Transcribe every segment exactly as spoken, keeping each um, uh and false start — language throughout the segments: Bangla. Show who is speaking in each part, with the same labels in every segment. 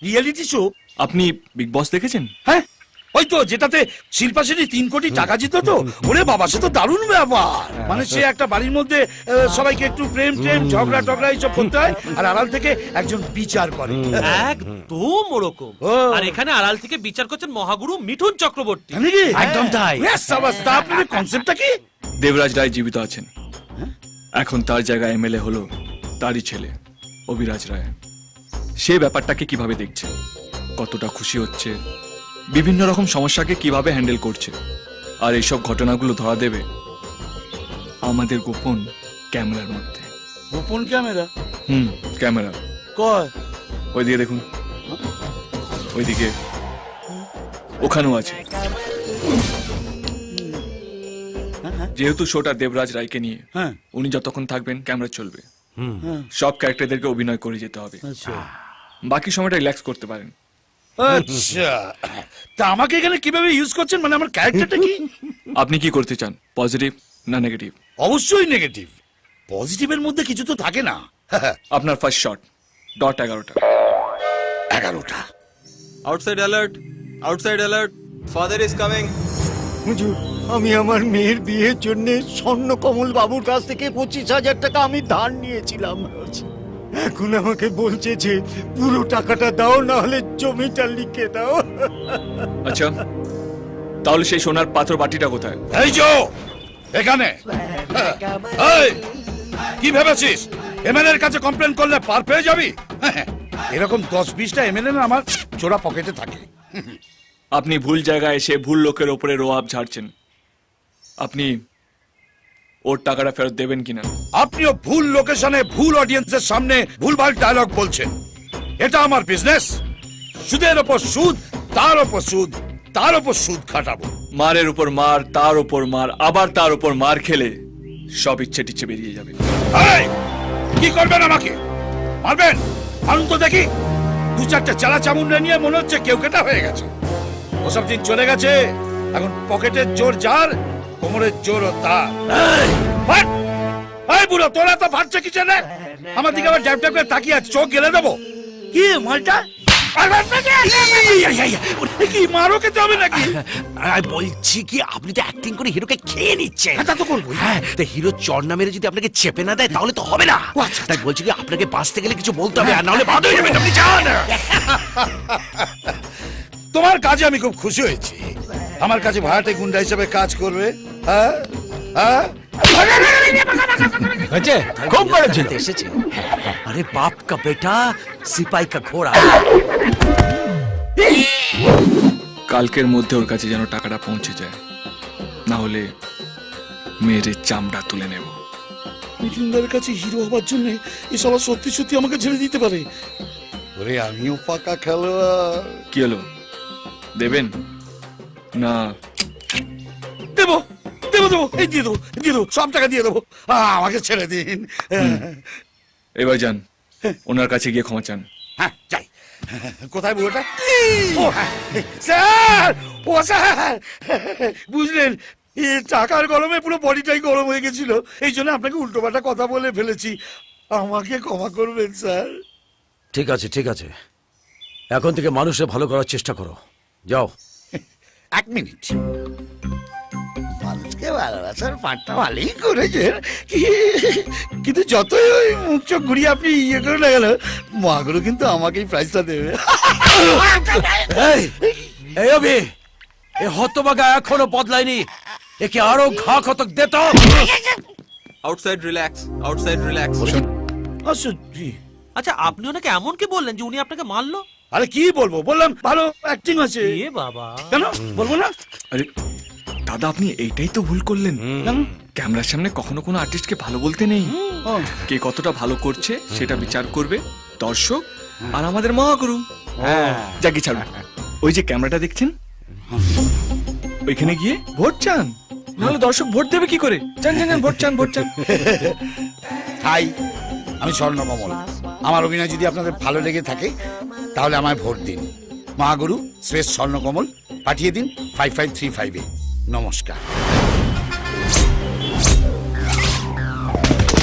Speaker 1: Reality show?
Speaker 2: আপনি বিগ বস দেখেছেন?
Speaker 1: হ্যাঁ, ওই তো যেটাতে শিল্পা সেটি তিন কোটি টাকা জিতলো তো। ওরে বাবা, সে তো দারুণ ব্যাপার। মানে সে একটা বাড়ির মধ্যে আহ, সবাইকে একটু প্রেম টেম ঝগড়া টগড়া এইসব করতে হয়, আর আড়াল থেকে একজন বিচার করে।
Speaker 3: একদম ওরকম। আর এখানে আড়াল থেকে বিচার করছেন মহাগুরু মিঠুন চক্রবর্তী।
Speaker 1: একদম তাই। আপনার কনসেপ্টটা কি?
Speaker 2: দেবরাজ রায় জীবিত আছেন, এখন তার জায়গায় এমএলএ হলো তারই ছেলে অভিরাজ রায়। সে ব্যাপারটাকে কিভাবে দেখছে, কতটা খুশি হচ্ছে, বিভিন্ন রকম সমস্যাকে কিভাবে হ্যান্ডেল করছে, আর এইসব ঘটনাগুলো ধরা দেবে আমাদের গোপন ক্যামেরার মধ্যে।
Speaker 1: গোপন ক্যামেরা?
Speaker 2: হুম, ক্যামেরা।
Speaker 1: কয়?
Speaker 2: ওইদিকে দেখুন, ওইদিকে, ওখানেও আছে। যেহেতু শোটা দেবরাজ রায়কে নিয়ে, উনি যতক্ষণ থাকবেন ক্যামেরা চলবে। সব ক্যারেক্টারদেরকে অভিনয় করে যেতে হবে, বাকি সময়টা রিল্যাক্স করতে পারেন।
Speaker 1: আচ্ছা, তা আমাকে এখানে কিভাবে ইউজ করছেন? মানে আমার ক্যারেক্টারটা কি?
Speaker 2: আপনি কি করতে চান, পজিটিভ না নেগেটিভ?
Speaker 1: অবশ্যই নেগেটিভ। পজিটিভের মধ্যে কিছু তো থাকে না।
Speaker 2: আপনার ফার্স্ট শট ডট এগারোটা।
Speaker 1: এগারোটা।
Speaker 4: Outside alert, outside alert, father is coming.
Speaker 5: হুজুর, আমি আমার মেয়ের বিয়ের জন্য স্বর্ণকমল বাবুর কাছ থেকে পঁচিশ হাজার টাকা আমি ধার নিয়েছিলাম। এখন আমাকে বলছে যে পুরো টাকাটা দাও, না হলে জমিটা লিখে দাও।
Speaker 2: আচ্ছা, তাহলে সেই সোনার পাথর বাটিটা কোথায়?
Speaker 1: এই যে এখানে। এই, কি ভেবেছিস এমএলএ এর কাছে কমপ্লেন করলে পার পেয়ে যাবি? এরকম দশ বিশটা এমএলএ না আমার চোরা পকেটে থাকে।
Speaker 2: আপনি ভুল জায়গায় এসে ভুল লোকের ওপরে রোয়াব ঝাড়ছেন। আপনি ওর টাকাটা ফেরত দেবেন কিনা?
Speaker 1: আপনিও ভুল লোকেশনে ভুল অডিয়েন্সের সামনে ভুলভাল ডায়লগ বলছেন। এটা আমার বিজনেস। সুদের ওপর সুদ, তার ওপর সুদ, তার ওপর সুদ খাটাবো।
Speaker 2: মারের উপর মার, তার উপর মার, আবার তার উপর মার খেলে সব ইচ্ছে টিচ্ছে বেরিয়ে যাবে।
Speaker 1: এই, কি করবেন আমাকে? মারবেন? মারুন তো দেখি। দু চারটে চালা চামুন্ডা নিয়ে মনে হচ্ছে কেউ কেটা হয়ে গেছে। ওসব দিন চলে গেছে। এখন পকেটের জোর যার, কোমরের জোর তার। এই বুড়ো, তোরা তো ফাটছে কিসে রে? আমার দিকে আবার ড্যাপ ড্যাপ করে তাকিয়ে আছে, চোখ গেলে দেবো। কি মালটা? কি মারো খেতে হবে নাকি?
Speaker 6: বলছি কি, আপনি তো অ্যাক্টিং করে হিরোকে খেয়ে নিচ্ছেন।
Speaker 1: তা তো করবো।
Speaker 6: হ্যাঁ, তো হিরো চড় না মেরে যদি আপনাকে চেপে না দেয় তাহলে তো হবে না। তাই বলছি কি, আপনাকে বাঁচতে গেলে কিছু বলতে হবে, আর নাহলে বাদ হয়ে যাবেন। আপনি যান।
Speaker 1: তোমার কাজে আমি খুব খুশি হয়েছি। আমার কাছে ভাড়াটে গুন্ডা হিসেবে কাজ করবে। হ্যাঁ হ্যাঁ,
Speaker 6: খুব করেছিল। এসেছে। আরে বাপ কা বেটা, সিপাই কা ঘোড়া।
Speaker 2: কালকের মধ্যে ওর কাছে যেন টাকাটা পৌঁছে যায়, না হলে মেয়ের চামড়া তুলে নেব।
Speaker 1: মিঠুনদার কাছে হিরো হবার জন্য এসব সত্যি সত্যি আমাকে ছেড়ে দিতে পারে। ওরে, আমিও পাকা খেলোয়াড়।
Speaker 2: কি হলো, দেবেন না?
Speaker 1: দেবো দেবো দেবো, এই দিয়ে দেবো, দিয়ে দেবো, সব টাকা দিয়ে দেবো। আমাকে ছেড়ে দিন।
Speaker 2: এবার যান, ওনার কাছে গিয়ে ক্ষমা চান।
Speaker 1: হ্যাঁ, যাই। কোথায় বুড়োটা? ও স্যার, ও স্যার, বুঝলেন, টাকার গরমে পুরো বডিটাই গরম হয়ে গেছিল। এই জন্য আপনাকে উল্টোপাল্টা কথা বলে ফেলেছি। আমাকে ক্ষমা করবেন স্যার।
Speaker 6: ঠিক আছে, ঠিক আছে, এখন থেকে মানুষের ভালো করার চেষ্টা করো। যাও।
Speaker 1: এক মিনিট। মানুষকে ভালোবাসার পাঠটা ভালোই করেছেন, কিন্তু যতই ওই মুখ চোখ ঘুরিয়ে আপনি ইয়ে করে না গেল, মাগুরু কিন্তু আমাকেই প্রাইজটা দেবে।
Speaker 6: এই অভি, এ হতভাগা এখনো বদলায়নি। একে আরো ঘা কতক দে তো।
Speaker 4: Outside relax, outside relax.
Speaker 3: আচ্ছা, আপনি ওনাকে এমন কি বললেন যে উনি আপনাকে মারলো?
Speaker 1: আরে কি বলবো, বললাম ভালো অ্যাক্টিং আছে।
Speaker 3: এ বাবা,
Speaker 1: কেন বলবো না?
Speaker 2: আরে দাদা, আপনি এইটাই তো ভুল করলেন। ক্যামেরার সামনে কখনো কোনো আর্টিস্টকে ভালো বলতে নেই। কে কতটা ভালো করছে সেটা বিচার করবে দর্শক আর আমাদের মহাগুরু। যাকে ছাড়ুন, ওই যে ক্যামেরাটা দেখছেন, ওইখানে গিয়ে ভোট চান, নাহলে দর্শক ভোট দেবে কি করে? চান চান ভোট চান, ভোট চান।
Speaker 1: হাই, আমি স্বর্ণকমল। আমার অভিনয় যদি আপনাদের ভালো লেগে থাকে তাহলে আমায় ভোট দিন। মহাগুরু স্পেস স্বর্ণকমল পাঠিয়ে দিন ফাইভ ফাইভ থ্রি ফাইভে। নমস্কার।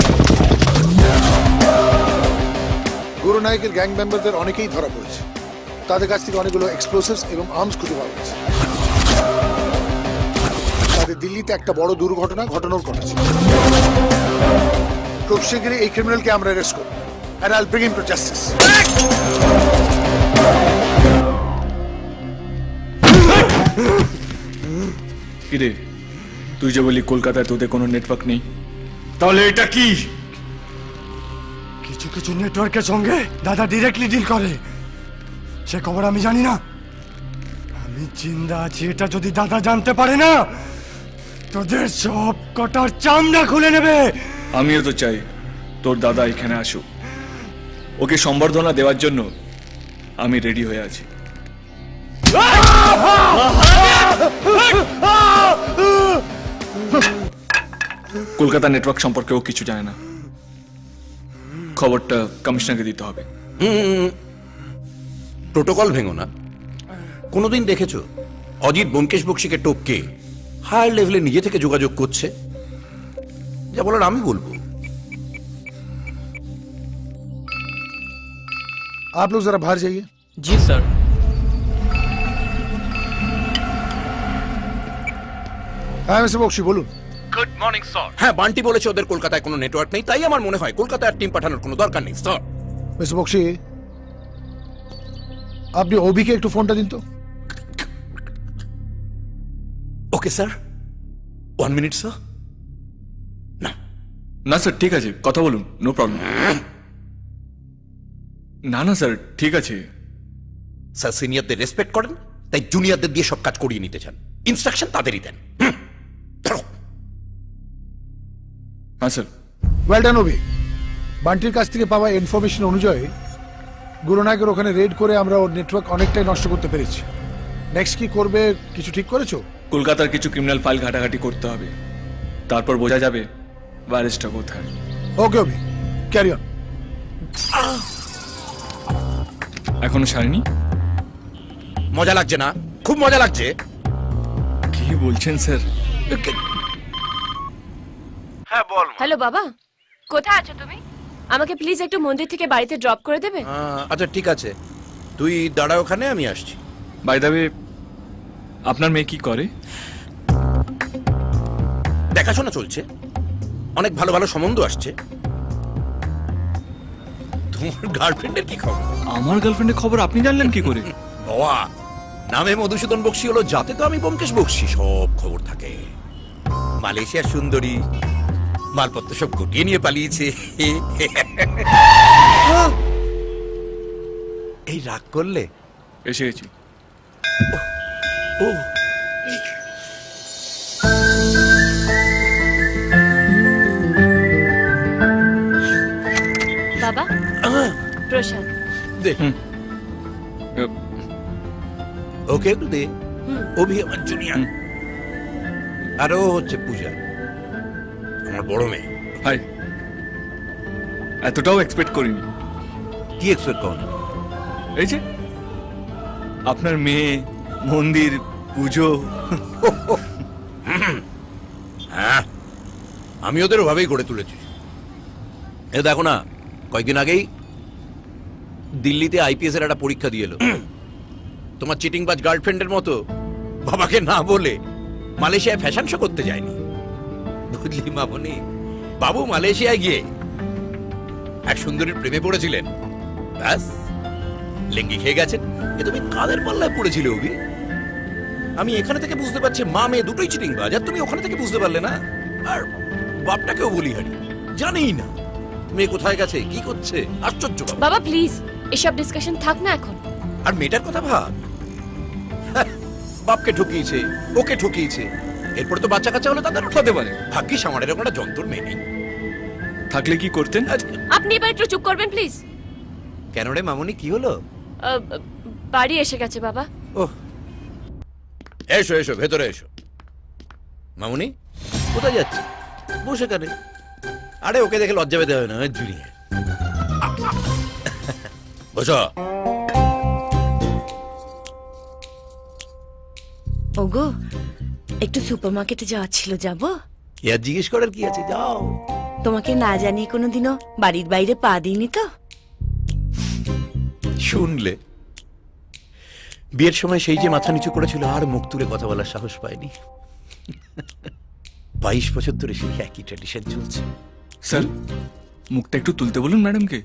Speaker 7: গুরু নায়কের গ্যাং মেম্বারদের অনেকেই ধরা পড়েছে। তাদের কাছ থেকে অনেকগুলো এক্সপ্লোসিভস এবং আর্মস খুঁজে পাওয়া গেছে। তাদের দিল্লিতে একটা বড় দুর্ঘটনা ঘটানোর কথা ছিল। খুব শীঘ্রই এই ক্রিমিনালকে আমরা অ্যারেস্ট করব and I'll bring him to justice.
Speaker 2: কিরে, তুই যে বলি কলকাতায় তোদের কোনো নেটওয়ার্ক নেই, তাহলে এটা কি?
Speaker 5: কিছু কিছু নেটওয়ার্কের সঙ্গে দাদা ডিরেক্টলি ডিল করে, সে খবর আমি জানি না। আমি জিন্দা আছি এটা যদি দাদা জানতে পারে না, তোদের সব কটার চামড়া খুলে নেবে।
Speaker 2: আমিও তো চাই তোর দাদা এখানে আসুক, ওকে সম্বর্ধনা দেওয়ার জন্য আমি রেডি হয়ে আছি। কলকাতা নেটওয়ার্ক সম্পর্কে ও কিছু জানে না, খবরটা কমিশনারকে দিতে হবে।
Speaker 6: প্রোটোকল ভেঙো না। কোনোদিন দেখেছো অজিত ব্যোমকেশ বক্সিকে টপকে হায়ার লেভেলে নিজে থেকে যোগাযোগ করছে? যা বলার আমি বলবো।
Speaker 7: आप लोग जरा बाहर जाइए।
Speaker 3: জি স্যার।
Speaker 7: হ্যাঁ মিস্টার বক্সি বলুন।
Speaker 6: Good morning sir. হ্যাঁ, বান্টি বলেছে ওদের কলকাতায় কোনো নেটওয়ার্ক নেই, তাই আমার মনে হয় কলকাতায় টিম পাঠানোর কোনো দরকার নেই স্যার।
Speaker 7: মিস্টার বক্সি, আপনি ওবিকে একটু ফোনটা দিন তো।
Speaker 6: Okay sir, one minute sir. না
Speaker 2: না স্যার, ঠিক আছে, কথা বলুন, নো প্রবলেম। না না স্যার, ঠিক আছে।
Speaker 6: স্যার সিনিয়রদের রেসপেক্ট করেন, তাই জুনিয়রদের দিয়ে সব কাজ করিয়ে নিতে চান। ইনস্ট্রাকশন তাদেরই দেন। হুম, ধরো।
Speaker 2: হ্যাঁ স্যার।
Speaker 7: Well done Obi. বান্টির কাছ থেকে পাওয়া ইনফরমেশন অনুযায়ী গুরুনায়কের ওখানে রেড করে আমরা ওর নেটওয়ার্ক অনেকটাই নষ্ট করতে পেরেছি। নেক্সট কি করবে কিছু ঠিক করেছো?
Speaker 2: কলকাতার কিছু ক্রিমিনাল ফাইল ঘাটাঘাটি করতে হবে, তারপর বোঝা যাবে ভাইরাসটা কোথায়।
Speaker 7: Okay Obi, carry on.
Speaker 2: এখনো সারেনি?
Speaker 6: মজা লাগছে না? খুব মজা লাগছে।
Speaker 2: কি বলছেন স্যার?
Speaker 6: হ্যাঁ বল।
Speaker 8: হ্যালো বাবা, কোথায় আছো তুমি? আমাকে প্লিজ একটু মন্দির থেকে বাড়িতে ড্রপ করে দেবে?
Speaker 6: আচ্ছা ঠিক আছে, তুই দাঁড়া ওখানে, আমি আসছি।
Speaker 2: বাই দ্য ওয়ে, আপনার মেয়ে কি করে?
Speaker 6: দেখাশোনা চলছে, অনেক ভালো ভালো সম্বন্ধ আসছে। তোমার গার্লফ্রেন্ডের কি খবর?
Speaker 2: আমার গার্লফ্রেন্ডের খবর আপনি জানলেন কি করে?
Speaker 6: বাবা, নামে মধুসূদন বক্সি হলো, যাতে তো আমি ব্যোমকেশ বক্সি, সব খবর থাকে। মালয়েশিয়ার সুন্দরী, মালপত্র সব গুটিয়ে নিয়ে পালিয়েছে। এই রাগ করলে?
Speaker 2: এসে গেছি।
Speaker 6: ও
Speaker 8: বাবা, প্রসাদ।
Speaker 6: দে
Speaker 2: হুম।
Speaker 6: ওকে একটু দে। অভি আমার জুনিয়র, আর ও হচ্ছে পূজা, আমার বড় মেয়ে।
Speaker 2: হাই। এতটাও এক্সপেক্ট করিনি।
Speaker 6: কি এক্সপেক্ট করেন?
Speaker 2: এই যে আপনার মেয়ে, মন্দির, পুজো।
Speaker 6: হ্যাঁ, আমি ওদের ওভাবেই গড়ে তুলেছি। এ দেখো না, কয়েকদিন আগেই দিল্লিতে আইপিএস এর একটা পরীক্ষা দিয়ে এলো। তোমার চিটিংবাজ গার্লফ্রেন্ডের মতো বাবাকে না বলে মালয়েশিয়ায় ফ্যাশন শো করতে যায়নি, বুঝলি মামনি? বাবু মালয়েশিয়ায় গিয়ে এক সুন্দরীর প্রেমে পড়েছিলেন, ব্যাস লেঙ্গি খেয়ে গেছেন। এ তুমি কাদের পাল্লায় পড়েছিলে অভি? আমি এখানে থেকে বুঝতে পারছি মা মেয়ে দুটোই চিটিংবাজ, আর তুমি ওখানে থেকে বুঝতে পারলে না। আর বাপটাকেও বলি হারি, জানেই না মেয়ে কোথায় গেছে, কি করছে। আশ্চর্য বাবা।
Speaker 8: বাবা প্লিজ, এসব ডিসকাশন থাক না এখন।
Speaker 6: আর মেয়েটার কথা ভাব, হ্যাঁ, বাপকে ঠকিয়েছে, ওকে ঠকিয়েছে, এরপর তো বাচ্চা কাচ্চা হলে তাদের
Speaker 2: হতে পারে।
Speaker 6: ভাগ্যিস আমার এরকম একটা যন্ত্র মেয়ে নেই।
Speaker 2: থাকলে কি করতেন?
Speaker 8: আপনি এবার একটু চুপ করবেন প্লিজ।
Speaker 6: কেন রে মামনি, কি হলো?
Speaker 8: বাড়ি এসে গেছে বাবা।
Speaker 6: ওহ, এসো এসো, ভেতরে এসো। মামনি কোথায় যাচ্ছে? বসে কানে। আরে ওকে দেখে লজ্জা পেতে হবে না, জুনিয়র। বসো।
Speaker 9: ওগো, একটু সুপারমার্কেটে যাওয়ার ছিল, যাবো?
Speaker 6: কি আর জিজ্ঞেস করার কি আছে, যাও।
Speaker 9: তোমাকে না জানিয়ে কোনোদিনও বাড়ির বাইরে পা দিইনি তো?
Speaker 6: শুনলে বিয়ের সময় সেই যে মাথা নিচু করেছিল আর মুখ তুলে কথা বলার সাহস পায়নি। বাইশ বছর ধরে সেই একই ট্র্যাডিশন চলছে।
Speaker 2: স্যার মুখটা একটু তুলতে বলুন ম্যাডামকে।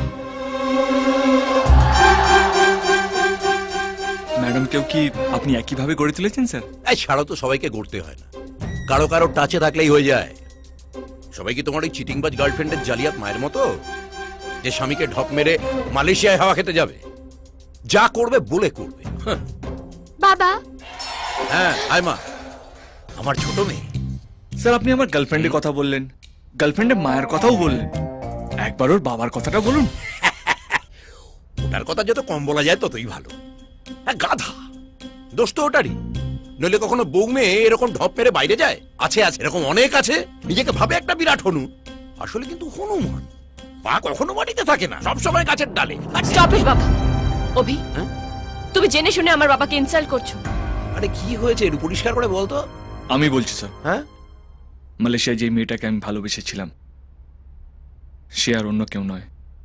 Speaker 2: ম্যাডামকেও কি আপনি একইভাবে গড়ে তুলেছেন স্যার?
Speaker 6: এই ছাড়াও তো সবাইকে গড়তে হয় না, কারো কারো টাচে থাকলেই হয়ে যায়। সবাই কি তোমার ওই চিটিংবাজ গার্লফ্রেন্ডের জালিয়াত মায়ের মতো, যে স্বামীকে ঢপ মেরে মালয়েশিয়ায় হাওয়া খেতে যাবে? যা করবে বলে করবে। হাহ।
Speaker 8: বাবা
Speaker 6: হ্যাঁ আয় মা, আমার ছোট মেয়ে।
Speaker 2: স্যার আপনি আমার গার্লফ্রেন্ডের কথা বললেন, গার্লফ্রেন্ডের মায়ের কথাও বললেন, একবার ওর বাবার কথাটা বলুন।
Speaker 6: ওটার কথা যত কম বলা যায় ততই ভালো। হ্যাঁ গাধা, দোষ তো ওটারই। নইলে কখনো বউ মেয়ে এরকম ঢপ মেরে বাইরে যায়? আছে আছে, এরকম অনেক আছে। নিজেকে ভাবে একটা বিরাট হনু, আসলে কিন্তু হনুমান। পা কখনো মাটিতে থাকে না, সবসময় গাছের ডালে।
Speaker 8: স্টপ ইট বাবা। অভি
Speaker 6: হ্যাঁ?
Speaker 8: তুমি জেনে শুনে আমার বাবাকে ইনসাল্ট করছো।
Speaker 6: আরে কি হয়েছে একটু পরিষ্কার করে বলতো।
Speaker 2: আমি বলছি স্যার,
Speaker 6: হ্যাঁ
Speaker 2: মালয়েশিয়ায় যে মেয়েটাকে আমি ভালোবেসেছিলাম সে আর অন্য কেউ নয়,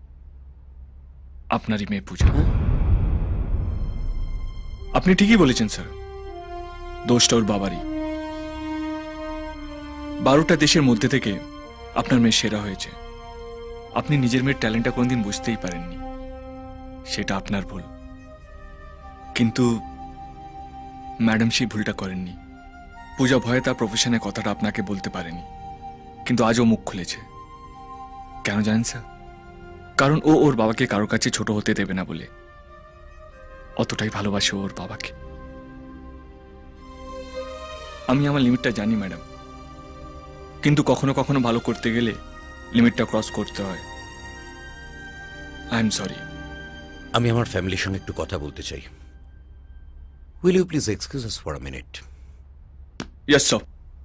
Speaker 2: আপনারই মেয়ে পূজা। আপনি ঠিকই বলেছেন স্যার, দোষটা ওর বাবারই। বারোটা দেশের মধ্যে থেকে আপনার মেয়ে সেরা হয়েছে। আপনি নিজের মেয়ের ট্যালেন্টটা কোনদিন বুঝতেই পারেননি, সেটা আপনার ভুল। কিন্তু ম্যাডাম সেই ভুলটা করেননি। পূজা ভয়ে তার প্রফেশনের কথাটা আপনাকে বলতে পারেনি, কিন্তু আজও মুখ খুলেছে। কেন জানেন স্যার? কারণ ও ওর বাবাকে কারো কাছে ছোট হতে দেবে না বলে। অতটাই ভালোবাসে ওর বাবাকে। আমি আমার লিমিটটা জানি ম্যাডাম, কিন্তু কখনো কখনো ভালো করতে গেলে লিমিটটা ক্রস করতে হয়। I am sorry.
Speaker 6: আমি আমার ফ্যামিলির সঙ্গে একটু কথা বলতে চাই। Will you please excuse us for a minute?
Speaker 2: Yes sir.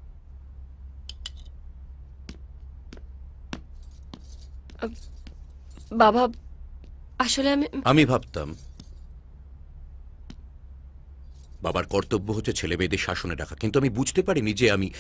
Speaker 8: বাবা আসলে আমি
Speaker 6: আমি ভাবতাম বাবার কর্তব্য হচ্ছে ছেলে মেয়েদের শাসনে রাখা, কিন্তু আমি বুঝতে পারিনি যে আমি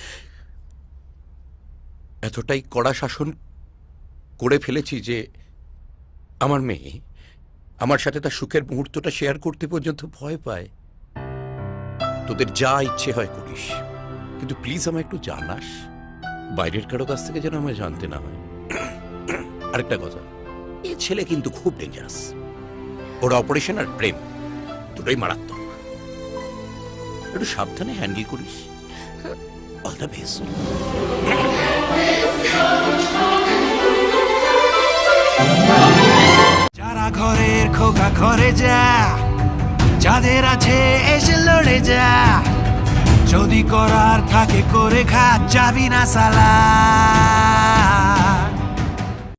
Speaker 6: এতটাই কড়া শাসন করে ফেলেছি যে আমার মেয়ে আমার সাথে তার সুখের মুহূর্তটা শেয়ার করতে পর্যন্ত ভয় পায়। তোদের যা ইচ্ছে হয় করিস, কিন্তু প্লিজ আমায় একটু জানাস, বাইরের কারো কাছ থেকে যেন আমায় জানতে না হয়। আরেকটা কথা, এই ছেলে কিন্তু খুব ডেঞ্জারাস। ওর অপারেশন আর প্রেম দুটোই মারাত্মক। একটু সাবধানে হ্যান্ডেল করিস। All the best.
Speaker 10: যারা ঘরের খোকা ঘরে যা, যাদের আছে এসে লড়ে যা, যদি করার থাকে করে খা, যাবি না সালা।